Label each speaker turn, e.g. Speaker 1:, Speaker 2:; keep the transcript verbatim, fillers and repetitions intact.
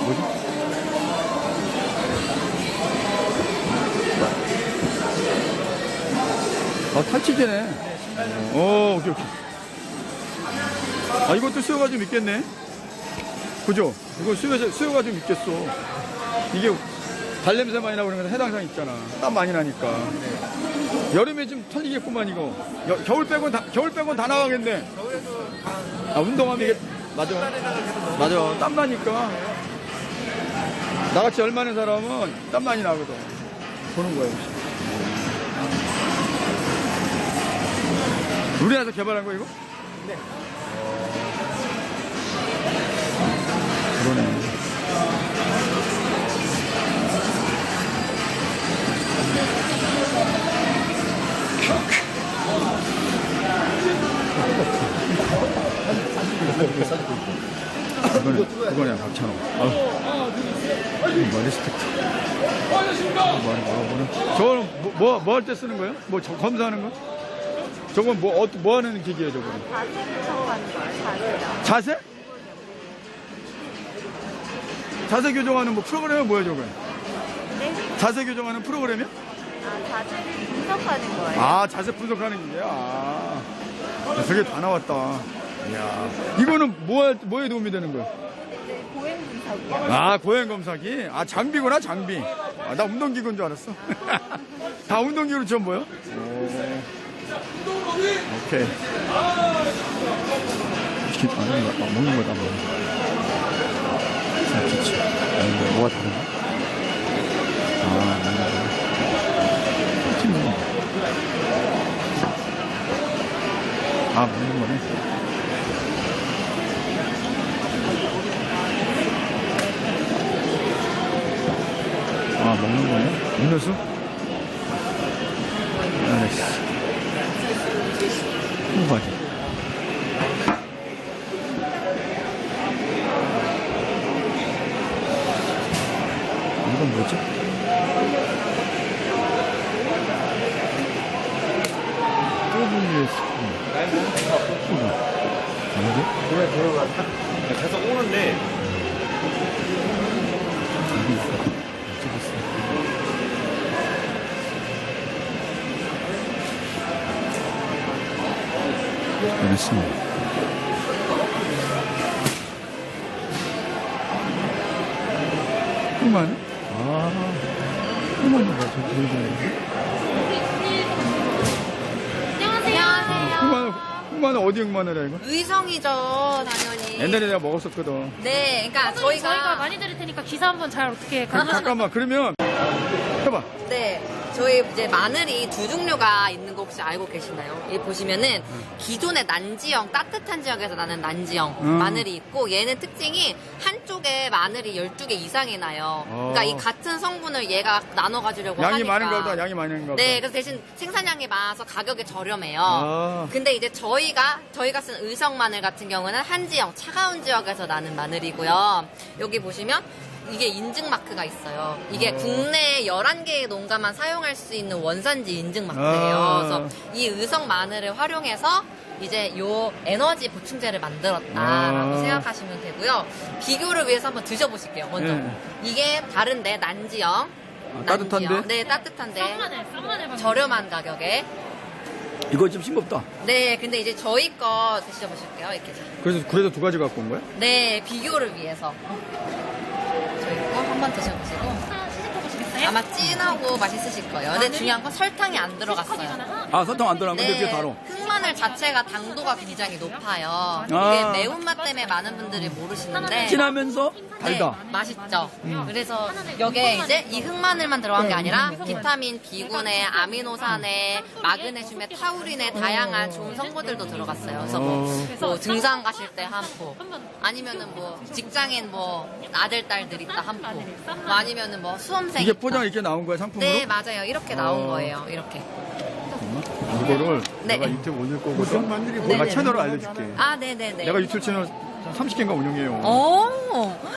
Speaker 1: 뭐지? 아, 탈취제네. 어, 오케이, 오케이. 아, 이것도 수요가 좀 있겠네. 그죠? 이거 수요, 수요가 좀 있겠어. 이게 발냄새 많이 나고 그러면 해당상 있잖아. 땀 많이 나니까. 여름에 좀 털리겠구만, 이거. 여, 겨울 빼곤 다, 겨울 빼곤 다 나가겠네. 아, 운동하면 이게, 맞아. 맞아. 땀 나니까. 나같이 열 많은 사람은 땀 많이 나거든. 보는 거야, 역시. 우리나라에서 개발한 거, 이거?
Speaker 2: 네.
Speaker 1: 그러네. 이거는, 그거네, 박찬호. 아, 뭐, 리스펙트. 뭐, 뭐, 저거는 뭐, 뭐, 뭐 할 때 쓰는 거예요? 뭐, 저, 검사하는 거? 저건 뭐, 어, 뭐 하는 기계예요, 저거는?
Speaker 3: 자세 교정하는 거예요, 자세요.
Speaker 1: 자세? 자세 교정하는 뭐 프로그램이 뭐야, 저거?
Speaker 3: 네?
Speaker 1: 자세 교정하는 프로그램이야?
Speaker 3: 아, 자세를 분석하는 거예요.
Speaker 1: 아, 자세 분석하는 기계야? 아, 저게 다 나왔다. 이야. 이거는 뭐, 뭐에 도움이 되는 거야?
Speaker 3: 네, 보행 분석이요.
Speaker 1: 아, 고행 검사기? 아, 장비구나, 장비. 아, 나 운동기구인 줄 알았어. 다 운동기구로 처음 보여? 오케이. 치킨, 아, 먹는 거, 먹는 거다, 뭐. 자, 그치. 아, 이거 뭐가 다른가? 아, 먹는 거. 치킨 먹는 거. 아, 먹는 거네. 아, 먹는 거네? 음료수? 알았어. 홍바지. 이건 뭐지? 더블유에스 스푼. 아니지?
Speaker 2: 그래, 들어가. 계속 오는데.
Speaker 1: 여기 있어. 이쪽에 있어. 알았습니다. 흑마늘? 아, 흑마늘 봐, 저 보이잖아요.
Speaker 3: 안녕하세요.
Speaker 1: 흑마늘, 흑마늘 어디 흑마늘이야, 이거?
Speaker 4: 의성이죠, 당연히.
Speaker 1: 옛날에 내가 먹었었거든.
Speaker 4: 네, 그러니까
Speaker 5: 저희가, 저희가
Speaker 4: 저희가
Speaker 5: 많이 드릴 테니까 기사 한번 잘 어떻게
Speaker 1: 그, 잠깐만, 그러면, 해봐.
Speaker 4: 네, 저희 이제 마늘이 두 종류가 있는 거 혹시 알고 계시나요? 여기 보시면은 기존의 난지형 따뜻한 지역에서 나는 난지형
Speaker 1: 음.
Speaker 4: 마늘이 있고 얘는 특징이 한쪽에 마늘이 열두 개 이상이 나요.
Speaker 1: 어.
Speaker 4: 그러니까 이 같은 성분을 얘가 나눠 가지려고
Speaker 1: 양이
Speaker 4: 하니까.
Speaker 1: 많은가 보다, 양이 많은가 보다.
Speaker 4: 네, 그래서 대신 생산량이 많아서 가격이 저렴해요.
Speaker 1: 아.
Speaker 4: 근데 이제 저희가 저희가 쓴 의성 마늘 같은 경우는 한지형 차가운 지역에서 나는 마늘이고요. 여기 보시면 이게 인증 마크가 있어요. 이게
Speaker 1: 어.
Speaker 4: 국내 열한 개의 농가만 사용할 수 있는 원산지 인증 마크예요.
Speaker 1: 아.
Speaker 4: 그래서 이 의성 마늘을 활용해서 이제 요 에너지 보충제를 만들었다라고
Speaker 1: 아.
Speaker 4: 생각하시면 되고요. 비교를 위해서 한번 드셔보실게요. 먼저
Speaker 1: 네.
Speaker 4: 이게 다른데 난지형.
Speaker 1: 아, 따뜻한데?
Speaker 4: 난지형. 네, 따뜻한데
Speaker 5: 싼마늘, 싼마늘
Speaker 4: 저렴한 가격에.
Speaker 1: 이거 좀 싱겁다.
Speaker 4: 네, 근데 이제 저희 거 드셔보실게요. 이렇게.
Speaker 1: 그래서, 그래서 두 가지 갖고 온 거야?
Speaker 4: 네, 비교를 위해서 저희 거 한번 드셔보시고
Speaker 5: 하나 시식해보시겠어요?
Speaker 4: 아마 진하고 맛있으실 거예요. 근데 중요한 건 설탕이 안 들어갔어요.
Speaker 1: 아, 설탕 안 들어간 건데,
Speaker 4: 네,
Speaker 1: 그게 바로.
Speaker 4: 흑마늘 자체가 당도가 굉장히 높아요. 이게
Speaker 1: 아.
Speaker 4: 매운맛 때문에 많은 분들이 모르시는데
Speaker 1: 진하면서 달다.
Speaker 4: 네, 맛있죠. 그래서 여기에 이제 이 흑마늘만 들어간 게 아니라 비타민 B군에 아미노산에 마그네슘에 타우린에 다양한 좋은 성분들도 들어갔어요. 그래서 뭐, 뭐 등산 가실 때 한 포, 아니면은 뭐 직장인 뭐 아들 딸들 있다 한 포, 뭐 아니면은 뭐 수험생
Speaker 1: 이게
Speaker 4: 있다.
Speaker 1: 포장 이렇게 나온 거야, 상품으로?
Speaker 4: 네, 맞아요. 이렇게 나온
Speaker 1: 어.
Speaker 4: 거예요. 이렇게.
Speaker 1: 잠깐만. 이거를
Speaker 4: 네.
Speaker 1: 내가 유튜브 올릴 거거든.
Speaker 4: 네,
Speaker 1: 내가
Speaker 4: 네.
Speaker 1: 채널을 알려줄게.
Speaker 4: 아, 네네네.
Speaker 1: 내가 유튜브 채널 삼십 개인가 운영해요.
Speaker 4: 오.